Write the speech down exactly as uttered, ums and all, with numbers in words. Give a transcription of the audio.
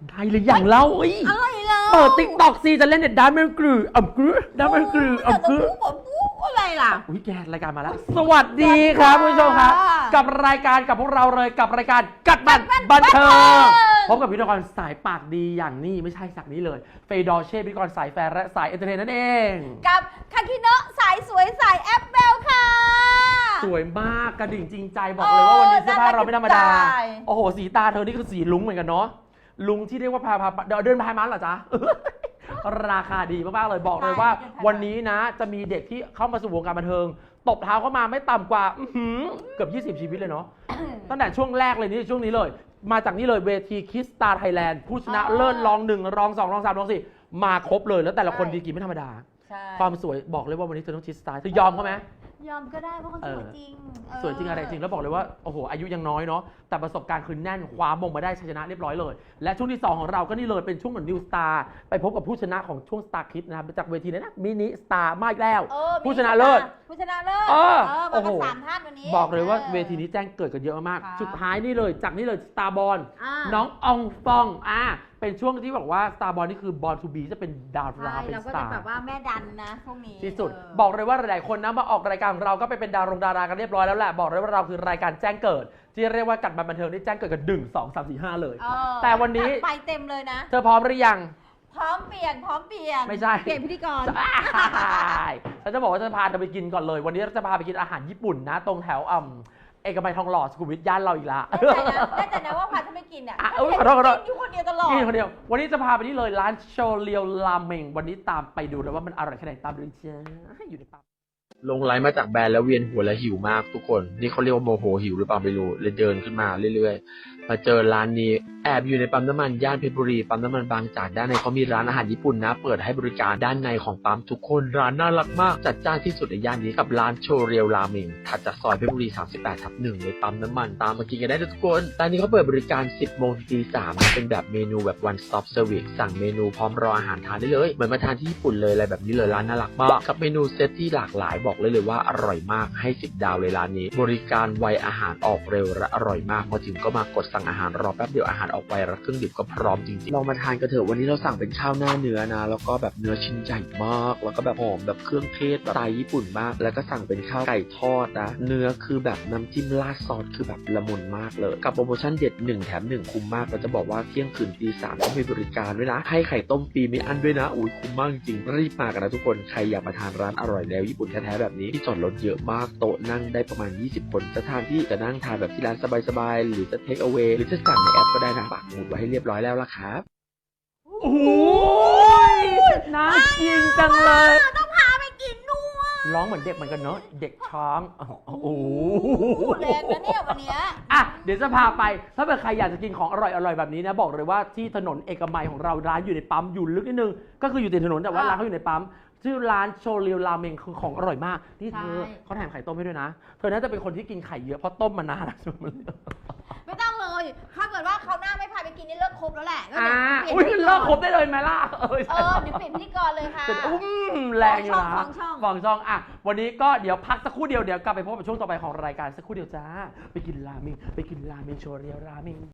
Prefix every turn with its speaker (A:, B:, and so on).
A: ได้หรือยังเล่าอ้
B: อะไรเล่า
A: เปิดติ๊กต็อกซีจะเล่นเน็ตด้านมันกรืออ่ำกรือด้านมันกรืออ่ำกรือ
B: อะไรล่ะ
A: อุ้ยแกรายการมาแล้วสวัสดีครับคุณผู้ชมครับกับรายการกับพวกเราเลยกับรายการกัดบันบันเทิงพบกับพิธีกรสายปากดีอย่างนี้ไม่ใช่สักนี้เลยเฟย์ดอเช่พิธีกรสายแฟร์และสายเอนเตอร์เทนนั่นเอง
B: กับคาคิโนะสายสวยสายแอปเปิลค่ะ
A: สวยมากกระดิ่งจริงใจบอกเลยว่าวันนี้เสื้อผ้าเราไม่ธรรมดาโอ้โหสีตาเธอนี่คือสีลุ้งเหมือนกันเนาะลุงที่เรียกว่าพาพาเดินเดินพายมันเหรอจ๊ะ ราคาดีมากๆเลยบอกเลยว่าวันนี้นะจะมีเด็กที่เข้ามาสู่วงการบันเทิงตบเท้าเข้ามาไม่ต่ำกว่าเกือบยี่สิบชีวิตเลยเนาะ ตั้งแต่ช่วงแรกเลยนี่ช่วงนี้เลยมาจากนี่เลยเวทีคิสตาร์ไทยแลนด์ผู้ชนะเลิศรองหนึ่งรองสองรองสามรองสี่มาครบเลยแล้วแต่ละคนดีกี่ไม่ธรรมดาความสวยบอกเลยว่าวันนี้เธอต้องคิสตาร์เธอยอมเขาไหม
B: ยอมก็ได้เพราะเขาสวยจริง
A: สวยจริงอะไรจริงแล้วบอกเลยว่าโอ้โหอายุยังน้อยเนาะแต่ประสบการณ์คือแน่นคว้ามงมาได้ชัยชนะเรียบร้อยเลยและช่วงที่สองของเราก็นี่เลยเป็นช่วงเหมือนนิวสตาร์ไปพบกับผู้ชนะของช่วงสตาร์คิดนะครับจากเวทีนั้นนะมินิสตาร์มาอีกแล้วผู้ชนะเลิศ
B: ผู้ชนะเลิศ
A: เออ
B: โอ้โหสามท่านวันนี้
A: บอกเลยว่าเวทีนี้แจ้งเกิดกันเยอะมากสุดท้ายนี่เลยจากนี่เลยสตาร์บอลน้องอองฟองอ่าเป็นช่วงที่บอกว่าสตาร์บอลนี่คือบอลทูบีจะเป็นดาราเป็นสตาร์
B: เราก็จะแบบว่าแม่ดันนะพวกนี้
A: ที่สุดบอกเลยว่าหลายๆคนนะมาออกรายการของเราก็ไปเป็นดารงดารากันเรียบร้อยแล้วแหละบอกเลยว่าเราคือรายการแจ้งเกิดที่เรียกว่ากัดบันเทิงที่แจ้งเกิดกันหนึ่งสองสามสี่ห้าเลยแต่วันนี้
B: ไปเต็มเลยนะ
A: เธอพร้อมหรือยัง
B: พร้อมเปลี่ยนพร้อมเปลี่ยน
A: ไม่ใช่
B: เปลี่ยนพิธีกร
A: ฉันจะบอกว่าจะพาเธอไปกินก่อนเลยวันนี้เราจะพาไปกินอาหารญี่ปุ่นนะตรงแถวอ่ำเอกมัยทองหล่อสุขุมวิทย่านเราอีกละ
B: ได้แต่นะว่าพาถ้าไม่กินเนี่ย
A: ขอโทษขอโทษ
B: อยู่คนเดียวตลอด
A: กินคนเดียววันนี้จะพาไปนี่เลยร้านโชเรียวราเมงวันนี้ตามไปดูเลยว่ามันอร่อยแค่ไหนตามเลยจ้าอยู่ในปั๊ม
C: ลงไลน์มาจากแบรนด์แล้วเวียนหัวและหิวมากทุกคนนี่เขาเรียกว่าโมโหหิวหรือเปล่าไม่รู้เลยเดินขึ้นมาเรื่อยๆมาเจอร้านนี้แอบอยู่ในปั๊มน้ำมันย่านเพชรบุรีปั๊มน้ำมันบางจากด้านในเขามีร้านอาหารญี่ปุ่นนะเปิดให้บริการด้านในของปั๊มทุกคนร้านน่ารักมากจัดจ้านที่สุดในย่านนี้กับร้านโชเรียวราเมงถัดจากซอยเพชรบุรีสามสิบแปดทับหนึ่งในปั๊มน้ำมันตามมากินกันได้ทุกคนร้านนี้เขาเปิดบริการสิบโมงถึงตีสามเป็นแบบเมนูแบบ one stop service สั่งเมนูพร้อมรออาหารทานได้เลยเหมือนมาทานที่ญี่ปุ่นเลยอะไรแบบนี้เลยร้านน่ารักมากกับเมนูเซตที่หลากหลายบอกเลยเลยว่าอร่อยมากให้สิบดาวเลยร้านนี้บริการไวอาหารออกเร็วและอร่อยมากพอถึงก็มากดสั่งอาหารรอแป๊บเดียวอาหารออกไวและเครื่องดื่มก็พร้อมจริงๆลองมาทานกันเถอะวันนี้เราสั่งเป็นข้าวหน้าเนื้อนะแล้วก็แบบเนื้อชิ้นใหญ่มากแล้วก็แบบหอมแบบเครื่องเทศแบบสไตล์ญี่ปุ่นมากแล้วก็สั่งเป็นข้าวไก่ทอดนะเนื้อคือแบบน้ำจิ้มราดซอสคือแบบละมุนมากเลยกับโปรโมชั่นเด็ดหนึ่งแถมหนึ่งคุ้มมากเราจะบอกว่าเที่ยงคืนตีสามต้องมีบริการด้วยนะให้ไข่ต้มฟรีไม่อั้นด้วยนะอุ้ยคุ้มมากจริงรีบมากันนะทุกคนใครอยากมาทานร้านอร่อยแล้วญี่ปุ่นแท้ๆแบบนี้ที่จอดรถเยอะมากโต๊ะนั่งได้ประมาณยี่สิบคนจะทานที่จะนั่งทานแบบที่ร้านสบายๆหรือจะเทคเอาเวหรือจะสั่งในแอปก็ได้นะปักหมุดไว้ให้เรียบร้อยแล้วล่ะครับ
A: โอ้ยน่ากินจังเลย
B: ต้องพาไปกินด้วย
A: ร้องเหมือนเด็กเหมือนกันเนาะเด็กช้างโอ้โห
B: แรงนะเนี่ยวันนี้
A: อ่ะเดี๋ยวจะพาไปถ้าเกิดใครอยากจะกินของอร่อยๆแบบนี้นะบอกเลยว่าที่ถนนเอกมัยของเราร้านอยู่ในปั๊มอยู่ลึกนิดนึงก็คืออยู่ติดถนนแต่ว่าร้านเขาอยู่ในปั๊มชื่อร้านโชเรียวราเมงคือของอร่อยมากที่เธอเขาแถมไข่ต้มให้ด้วยนะเธอน่าจะเป็นคนที่กินไข่เยอะเพราะต้มมานาน
B: ไม่ต้องเลยถ้าเกิดว่าเขาหน้าไม่พาไปกินนี่เลิกครบแล้วแหละ
A: อ่าอุ้ยเลิกครบได้เลยไหมล่ะเออ
B: เดี๋ยวเปลี่ยนพิธีกรเลยค่ะ
A: อุ้มแรงอยู่นะฟองช่องอ่ะวันนี้ก็เดี๋ยวพักสักครู่เดียวเดี๋ยวกลับไปพบกับช่วงต่อไปของรายการสักครู่เดียวจ้าไปกินราเมงไปกินราเมงโชเรียวราเมง